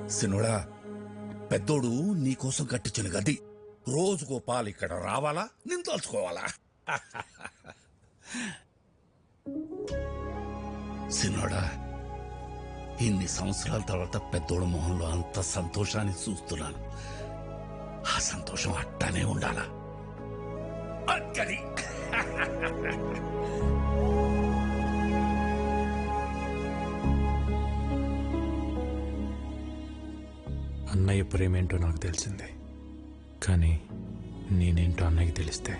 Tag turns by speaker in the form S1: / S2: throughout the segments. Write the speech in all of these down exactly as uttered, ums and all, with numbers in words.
S1: సినోడా, పెద్దోడు నీకోసం కట్టించిన గది రోజుకో పాలు ఇక్కడ రావాలా, నేను తలుచుకోవాలా? సినోడా, ఇన్ని సంవత్సరాల తర్వాత పెద్దోడు మొహంలో అంత సంతోషాన్ని చూస్తున్నాను. ఆ సంతోషం అట్టానే ఉండాలా? అక్కడి
S2: అన్నయ్య ప్రేమేంటో నాకు తెలిసింది, కానీ నేనేంటో అన్నయ్యకి తెలిస్తే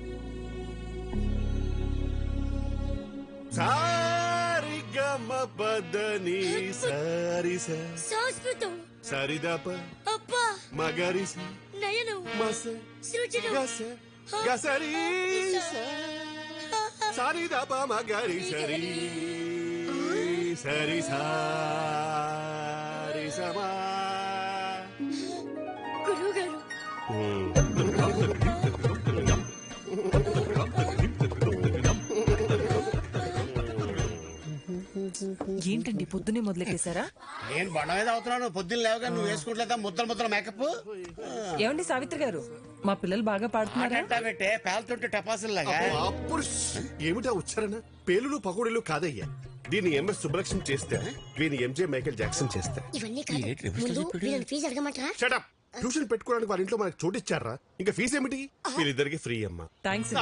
S3: సరిదప మగరిస మస గసరి సరిదప మగరి సరి సరి సారి సమా
S4: గురువుగారు.
S5: ఏంటండి పొద్దునే మొదలెట్టేశారా?
S6: నేను బండ మీద అవుతున్నాను. పొద్దున్న లేవగా నువ్వు వేసుకుంటలేదా ముద్దలు ముద్దల మేకప్?
S5: ఏమండి సావిత్రి గారు, మా పిల్లలు బాగా పాడుతున్నారా?
S6: పెట్టే పేలుతుంటే టపాసుల్లాగా.
S3: ఏమిటా ఉచ్చారణ? పేలులు పకోడీలు కాదయ్యా. దీన్ని ఎంఎస్ సుబ్బలక్ష్మి చేస్తే, వీని ఎంజే మైకేల్ జాక్సన్ చేస్తే.
S4: ఇవన్నీ కాదు, ముందు వీళ్ళని ఫీజు అడగమంటారా?
S3: షటప్. ట్యూషన్ పెట్టుకోవడానికి వారి ఇంట్లో మనకు చోటు ఇచ్చారా? ఇంకా ఫీజు ఏమిటి? వీళ్ళిద్దరికి ఫ్రీ అమ్మా.
S5: థ్యాంక్స్.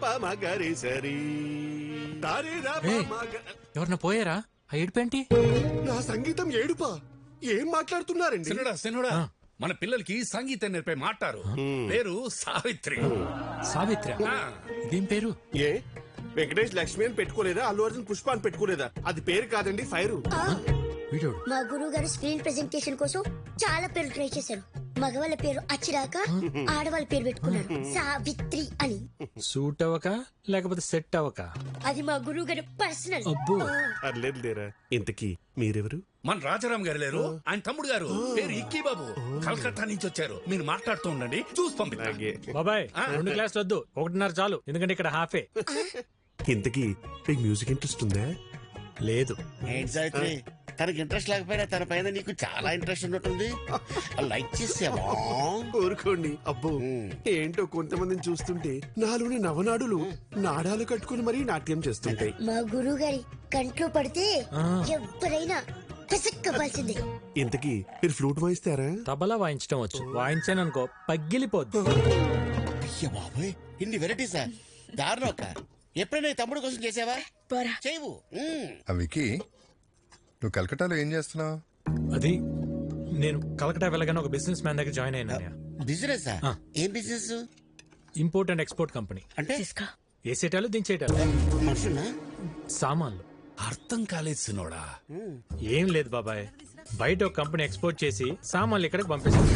S2: ఎవరన్నా పోయారా? ఆ ఏడుపేంటి?
S3: నా సంగీతం ఏడుపా? ఏం మాట్లాడుతున్నారండి?
S1: సినోడా, సినోడా, మన పిల్లలకి సంగీతం నేర్పే మాటారు. పేరు సావిత్రి.
S2: సావిత్రి? ఇదేం పేరు?
S3: ఏ వెంకటేష్ లక్ష్మి అని పెట్టుకోలేదా? అల్లు అర్జున్ పుష్ప అని పెట్టుకోలేదా? అది పేరు కాదండి, ఫైరు.
S4: మా గురువు గారు స్క్రీన్ ప్రెజెంటేషన్ కోసం చాలా పేరు ట్రై చేశారు. మగవాళ్ళ పేరు అచ్చిరాక ఆడవాళ్ళ పేరు పెట్టుకున్నారు సావిత్రి అని.
S2: సూట్ అవ్వక లేకపోతే సెట్ అవ్వక?
S4: అది మా గురువు గారు పర్సనల్.
S3: అర్లేదు లేరా. ఇంతకీ మీరెవరు?
S1: మన రాజారాం గారు లేరు, ఆయన తమ్ముడు గారు. పేరు ఇక్కీ బాబు. కలకత్తా నుంచి వచ్చారు. మీరు మాట్లాడుతూ ఉండండి, చూసి పంపిస్తా.
S2: బాబాయ్, రెండు క్లాసులు వద్దు, ఒకటిన్నర చాలు, ఎందుకంటే ఇక్కడ హాఫే.
S3: ఇంతకీ మీకు మ్యూజిక్ ఇంట్రెస్ట్ ఉందా?
S2: లేదు.
S6: ఏంటి సావిత్రి, తనకి ఇంట్రెస్ట్ లేకపోయినా తన పైన నీకు చాలా ఇంట్రెస్ట్ ఉన్నట్టుంది. లైక్ చేసావా?
S3: కోరుకోండి. అబ్బో, ఏంటో కొంతమందిని చూస్తుంటే నాలోని నవనాడులు నాడాలు కట్టుకుని మరీ నాట్యం చేస్తుంటాయి.
S4: మా గురువు గారి కంట్లో పడితే ఎవరైనా పిసక్కవలసిందే.
S3: ఇంతకీ మీరు ఫ్లూట్ వాయిస్తారా?
S2: తబలా వాయించడం వచ్చు. వాయించాననుకో పగిలిపోద్దు.
S6: అయ్య బాబోయ్, ఇన్ని వెరైటీసా? దారుణం అక్క. ఎప్పుడైనా తమ్ముడు కోసం చేసావా? చేయవు.
S7: వికీ, నువ్వు కలకటాలో ఏం చేస్తున్నావు?
S2: అది నేను కలకటా వెళ్ళగానే ఒక బిజినెస్ మ్యాన్ దగ్గర జాయిన్ అయినా.
S6: బిజినెస్? ఏం business?
S2: Import and export company.
S6: అంటే
S2: వేసేటాలు దించేటాలు,
S6: మనుషున్నా
S2: సామాన్లు.
S1: అర్థం కాలేదు సినోడా.
S2: ఏం లేదు బాబాయ్, బయట ఒక కంపెనీ ఎక్స్పోర్ట్ చేసి సామాన్లు ఇక్కడికి పంపిస్తుంది.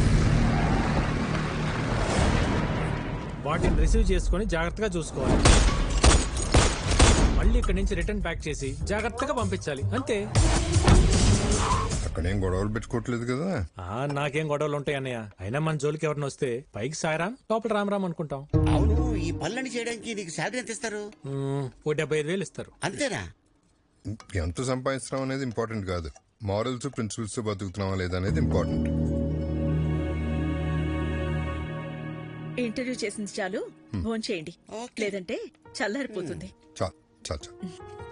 S2: వాటిని రిసీవ్ చేసుకుని జాగ్రత్తగా చూసుకోవాలి. మళ్ళీ ఇక్కడి నుంచి రిటర్న్ ప్యాక్ చేసి జాగ్రత్తగా పంపించాలి, అంతే.
S7: అక్కడేం గొడవలు పెట్టుకోవట్లేదు కదా?
S2: నాకేం గొడవలు ఉంటాయి అన్నయ్య. అయినా మన జోలికి ఎవరిని వస్తే పైకి సాయరాం, లోపల రామరామ్ అనుకుంటాం.
S6: అవును, ఈ పనులని చేయడానికి నీకు శాలరీ ఎంత ఇస్తారు?
S2: ఓ డెబ్బై ఐదు వేలు ఇస్తారు.
S6: అంతేనా?
S7: ఎంత సంపాదిస్తున్నాం అనేది ఇంపార్టెంట్ కాదు, మారల్స్ ప్రిన్సిపల్స్ బతుకుతున్నావా లేదా అనేది ఇంపార్టెంట్.
S8: ఇంటర్వ్యూ చేసింది చాలు, ఫోన్ చేయండి, లేదంటే చల్లారిపోతుంది.
S7: చాలు చాలు చాలు.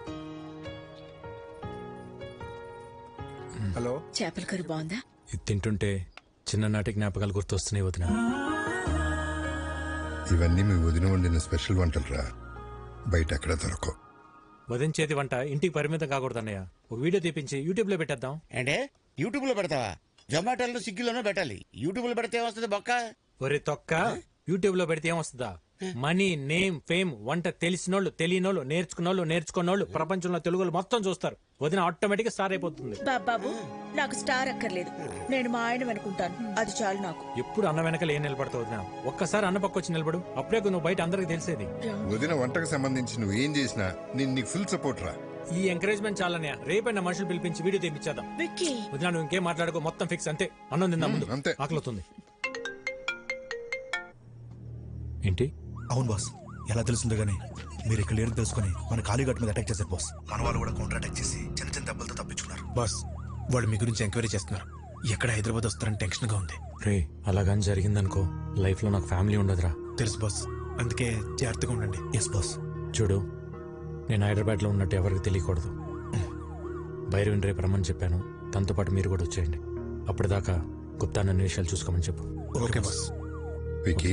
S3: హలో,
S8: చేపల కర్రీ బాగుందా?
S2: ఇది తింటుంటే చిన్ననాటి జ్ఞాపకాలు గుర్తొస్తున్నాయి వదిన.
S7: ఇవన్నీ మీ వదిన వండిన స్పెషల్ వంటలు రా, బయట ఎక్కడ దొరకవు.
S2: వదిన చేతి వంట ఇంటికి పరిమితం కాకూడదు అన్నయ్య. ఒక వీడియో తీపించి యూట్యూబ్ లో పెట్టేద్దాం.
S6: అంటే యూట్యూబ్ లో పెడతావా? జొమాటోలో స్విగ్గీలోనూ పెట్టాలి. యూట్యూబ్ లో పెడితే ఏమొస్తుంది బొక్క?
S2: ఒరే తొక్క, యూట్యూబ్ లో పెడితే ఏమొస్తుందా? మనీ, నేమ్, ఫేమ్, వంట తెలిసినోళ్ళు, తెలియనోళ్ళు, నేర్చుకున్నోళ్ళు, నేర్చుకున్నోళ్ళు, ప్రపంచంలో తెలుగులు మొత్తం చూస్తారు. వదిన ఆటోమేటిక్ గా స్టార్ అయిపోతుంది.
S8: బాబాబు, నాకు స్టార్ అక్కర్లేదు, నేను మా ఆయన అనుకుంటాను, అది చాలు నాకు.
S2: ఎప్పుడు అన్న వెనకాల ఏం నిలబడతావు వదిన? ఒక్కసారి అన్న పక్క వచ్చి నిలబడు, అప్పుడే నువ్వు బయట అందరికి తెలిసేది.
S7: వదిన వంటకు సంబంధించి నువ్వు ఏం చేసినా నేను నీకు ఫుల్ సపోర్ట్ రా.
S2: ఈ ఎంకరేజ్మెంట్ చాలనే. రేపైనా మనుషులు పిలిపించి వీడియో తెప్పించేద్దాం. వదిన నువ్వు ఇంకేం మాట్లాడుకో, మొత్తం ఫిక్స్, అంతే. అన్నం తిందా ముందు,
S7: అంతే.
S2: ఆకలిస్తుంది. ఏంటి?
S9: అవును బాస్, ఎలా తెలుస్తుందో గానీ మీరు ఇక్కడ లేరు తెలుసుకుని మన కాళీఘాట్ మీద అటాక్ చేశారు బాస్. మన వాళ్ళు కూడా కౌంటర్ అటాక్ చేసి చిన్న చిన్న దెబ్బలతో తప్పించుకున్నారు బాస్. వాళ్ళు మీ గురించి ఎంక్వైరీ చేస్తున్నారు. ఎక్కడ హైదరాబాద్ వస్తారని టెన్షన్ గా ఉంది.
S2: రే అలాగని జరిగిందనుకో లైఫ్ లో నాకు ఫ్యామిలీ ఉండదురా.
S9: తెలుసు బాస్, అందుకే జాగ్రత్తగా ఉండండి. Yes boss.
S2: చూడు నేను హైదరాబాద్ లో ఉన్నట్టు ఎవరికి తెలియకూడదు. భైరవిని రేపు రమ్మని చెప్పాను, తనతో పాటు మీరు కూడా వచ్చేయండి. అప్పటిదాకా గుప్తా నన్ను విషయాలు చూసుకోమని చెప్పు.
S9: Okay boss.
S7: వికీ,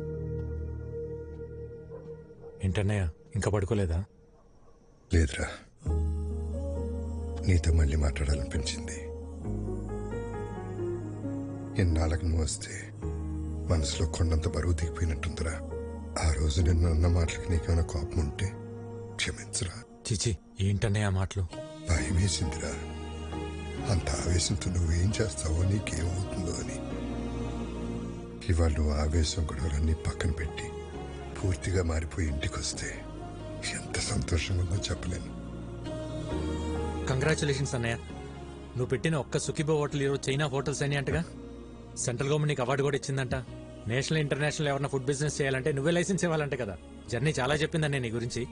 S2: ఏంటన్నయ్య ఇంకా పడుకోలేదా?
S7: లేదురా, నీతో మళ్ళీ మాట్లాడాలనిపించింది. ఎన్నాళ్ళకు నువ్వు వస్తే మనసులో కొండంత బరువు దిగిపోయినట్టుందిరా. ఆ రోజు నిన్ను అన్న మాటలకి నీకేమైనా కోపం ఉంటే క్షమించరా.
S2: చిచి ఏంటన్నయ్య ఆ మాటలు?
S7: భయం వేసిందిరా, అంత ఆవేశంతో నువ్వేం చేస్తావో నీకేమవుతుందో అని. ఇవాళ నువ్వు ఆవేశం గొడవలన్నీ పక్కన పెట్టి పూర్తిగా మారిపోయి ఇంటికి వస్తే ఎంత సంతోషంగా ఉందో చెప్పలేను.
S2: కంగ్రాచులేషన్స్ అన్నయ్య, నువ్వు పెట్టిన ఒక్క సుఖీబో హోటల్ ఈరోజు చైనా హోటల్స్ అని అంటగా. సెంట్రల్ గవర్నమెంట్ నీకు అవార్డు కూడా ఇచ్చిందంట. నేషనల్ ఇంటర్నేషనల్ ఎవరైనా ఫుడ్ బిజినెస్ చేయాలంటే నువ్వే లైసెన్స్ ఇవ్వాలంటే కదా. జర్నీ చాలా చెప్పిందన్న నీ గురించి.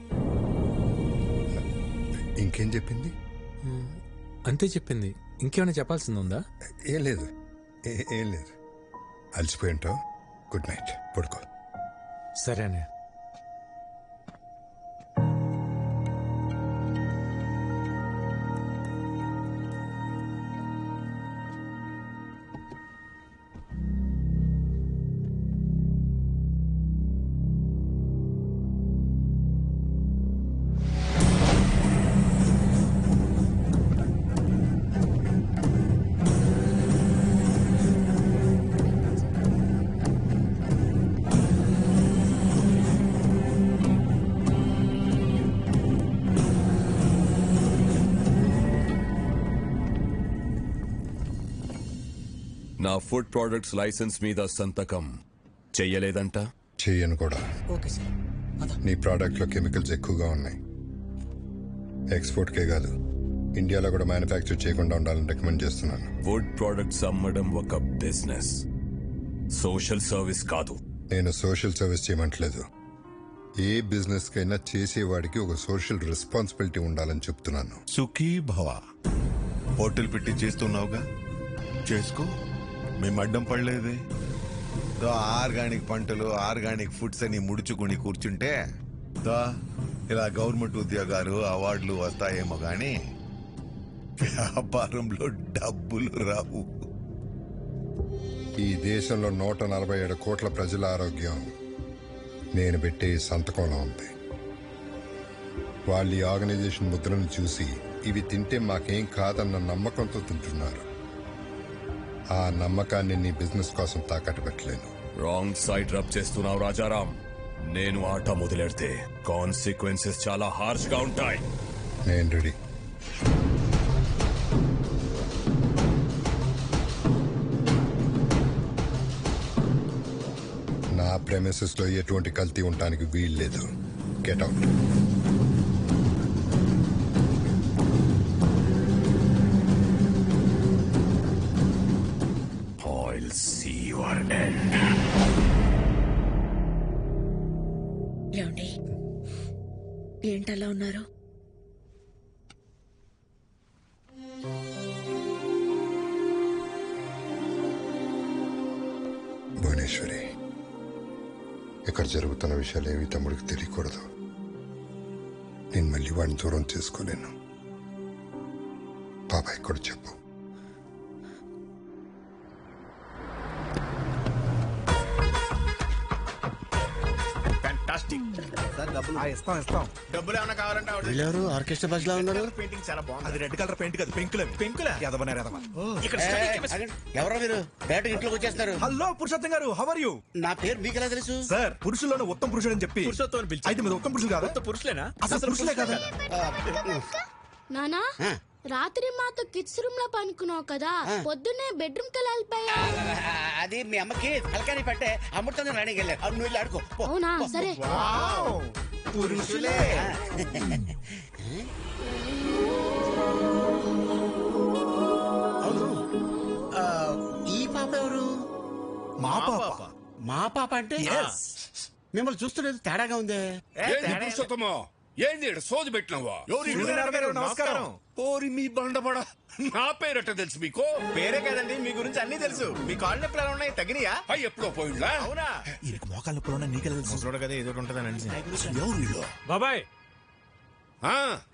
S7: ఇంకేం చెప్పింది?
S2: అంతే చెప్పింది, ఇంకేమైనా చెప్పాల్సింది ఉందా?
S7: ఏం లేదు, ఏ- ఏం లేదు. అలసిపోయి ఉంటావు. గుడ్ నైట్, పడుకో.
S2: సరే అన్నయ్య.
S10: నా ఫుడ్ ప్రొడక్ట్స్ లైసెన్స్ మీద సంతకం చెయ్యలేదంట.
S7: చెయ్యను కూడా. నీ ప్రోడక్ట్లో కెమికల్స్ ఎక్కువగా ఉన్నాయి. ఎక్స్పోర్ట్కే కాదు, ఇండియాలో కూడా మ్యానుఫ్యాక్చర్ చేయకుండా ఉండాలని రికమెండ్ చేస్తున్నాను.
S10: ఫుడ్ ప్రొడక్ట్స్ అమ్మడం ఒక బిజినెస్, సోషల్ సర్వీస్ కాదు.
S7: నేను సోషల్ సర్వీస్ చేయమంటలేదు. ఏ బిజినెస్ కైనా చేసేవాడికి ఒక సోషల్ రెస్పాన్సిబిలిటీ ఉండాలని చెప్తున్నాను.
S11: సుఖీ భవ. హోటల్ పెట్టి చేస్తున్నావుగా, చేసుకో. మేము అడ్డం పడలేదే. దో ఆర్గానిక్ పంటలు, ఆర్గానిక్ ఫుడ్స్ అని ముడుచుకుని కూర్చుంటే దో ఇలా గవర్నమెంట్ ఉద్యోగాలు, అవార్డులు వస్తాయేమో గాని వ్యాపారంలో డబ్బులు రావు.
S7: ఈ దేశంలో నూట నలభై ఏడు కోట్ల ప్రజల ఆరోగ్యం నేను పెట్టే ఈ సంతకంలో ఉంది. వాళ్ళు ఈ ఆర్గనైజేషన్ ముద్రను చూసి ఇవి తింటే మాకేం కాదన్న నమ్మకంతో తింటున్నారు. ఆ నమ్మకాన్ని నీ బిజినెస్ కోసం తాకట్టు పెట్టలేను.
S10: రాంగ్ సైడ్ రబ్ చేస్తున్నావు రాజారాం. నేను ఆట మొదలెడితే కాన్సిక్వెన్సెస్ చాలా హార్ష్ గా ఉంటాయి.
S7: నేను రెడీ. నా ప్రెమిసెస్ లో ఎటువంటి కల్తీ ఉండడానికి వీల్లేదు. Get out.
S10: I'll see your end.
S8: ఏమండి ఏంటలా ఉన్నారు?
S7: భువనేశ్వరి, ఇక్కడ జరుగుతున్న విషయాలు ఏవి తమ్ముడికి తెలియకూడదు. నేను మళ్ళీ వాడిని దూరం చేసుకోలేను. బాబాయ్ కూడా చెప్పు.
S9: డబ్బులు ఏమైనా కావాలంటే
S6: వీళ్ళెవరు ఆర్కెస్ట్రా బస్ లో ఉన్నారు?
S9: పెయింటింగ్ చాలా బాగుంది. అది రెడ్ కలర్ పెయింట్ కాదు, పెంకులే. పెంకులే ఎదవనే ఎదవ.
S6: ఎవరో మీరు డైరెక్ట్ ఇంట్లోకి వచ్చేస్తున్నారు.
S9: హలో పురుషోత్తం గారు, హౌ ఆర్ యు?
S6: నా పేరు మీకు ఎలా తెలుసు?
S9: సార్, పురుషుల్లోనే ఉత్తమ పురుషుడు అని చెప్పి అయితే మీద ఉత్తమ పురుషులు కాదు. పురుషులేనా? అసలు పురుషులే కదా.
S12: నానా, రాత్రి మాతో కిడ్స్ రూమ్ లో పనుకున్నావు కదా, పొద్దున్నే బెడ్రూమ్ కి వెళ్ళిపోయా.
S6: అది మీ అమ్మకి తలకాని పట్టే అమృతంగా రాణికి వెళ్ళారు. నువ్వు వెళ్ళి ఆడుకో.
S12: అవునా? సరే.
S9: పురుషులే.
S6: అవును, ఈ పాప ఎవరు?
S9: మా పాప.
S6: మా పాప అంటే మిమ్మల్ని చూస్తున్నది తేడాగా ఉందే.
S1: పురుషోత్తమో, ఏంది ఈడ సోది పెట్టినవా
S13: సూర్యనారాయణ గారు, నమస్కారం.
S1: ఓరి మీ బండబడ నా పేరట తెలుసు మీకు
S13: పేరే కదండి, మీ గురించి అన్ని తెలుసు. మీ కాళ్ళు నొప్పులు ఎలా ఉన్నాయి, తగినయా?
S1: అయ్యి ఎప్పుడో పోయిండ్లా
S13: అవునా?
S9: ఈయనకి మోకాళ్ళ నొప్పులు నీకే తెలుసు.
S13: ముసలోడు కదా, ఏదో ఒకటి ఉంటుందని
S1: ఎవరు వీళ్ళు?
S2: బాబాయ్
S1: ఆ,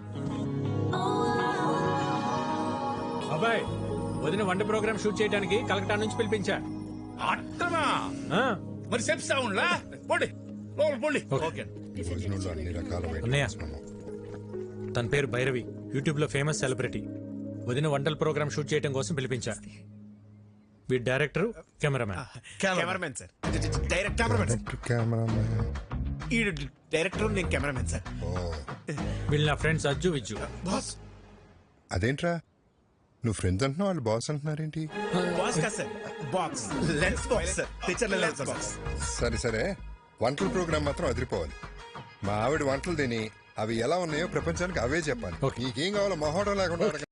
S2: బాబాయ్ వదిన వంట ప్రోగ్రామ్ షూట్ చేయడానికి కలకటా నుంచి పిలిపించా.
S1: అట్టనా
S2: ఆ,
S1: మరి చెప్తా ఉండ్లా పోండి లోపల పోండి.
S2: ఓకే.
S7: భోజనంలో అన్ని రకాల
S2: అన్నయ్య.
S7: ఐటమ్స్ మనం.
S2: తన పేరు భైరవి, యూట్యూబ్ లో ఫేమస్ సెలబ్రిటీ. వదిన వంటల ప్రోగ్రామ్ షూట్ చేయడం కోసం పిలిపించా. వీడి director, cameraman.
S13: Cameramen sir, direct cameramen sir.
S7: Direct cameramen.
S13: ఈ డైరెక్టర్, నేను కెమెరామెన్ సార్.
S7: ఓ,
S2: వీళ్ళు నా ఫ్రెండ్స్ అజ్జు విజ్జు.
S13: బాస్
S7: అదేంట్రా నువ్వు ఫ్రెండ్స్ అంటున్నావు వాళ్ళు బాస్ అంటున్నారేంటి?
S13: బాస్ కదా sir, box lens box sir, తెచ్చర్ల లెన్స్ బాక్స్.
S7: సరే సరే, వంటల ప్రోగ్రామ్ మాత్రం అదిరిపోవాలి. మా ఆవిడ వంటలు తిని అవి ఎలా ఉన్నాయో ప్రపంచానికి అవే చెప్పాలి. నీకేం కావాలో మొహోటం లేకుండా అడగ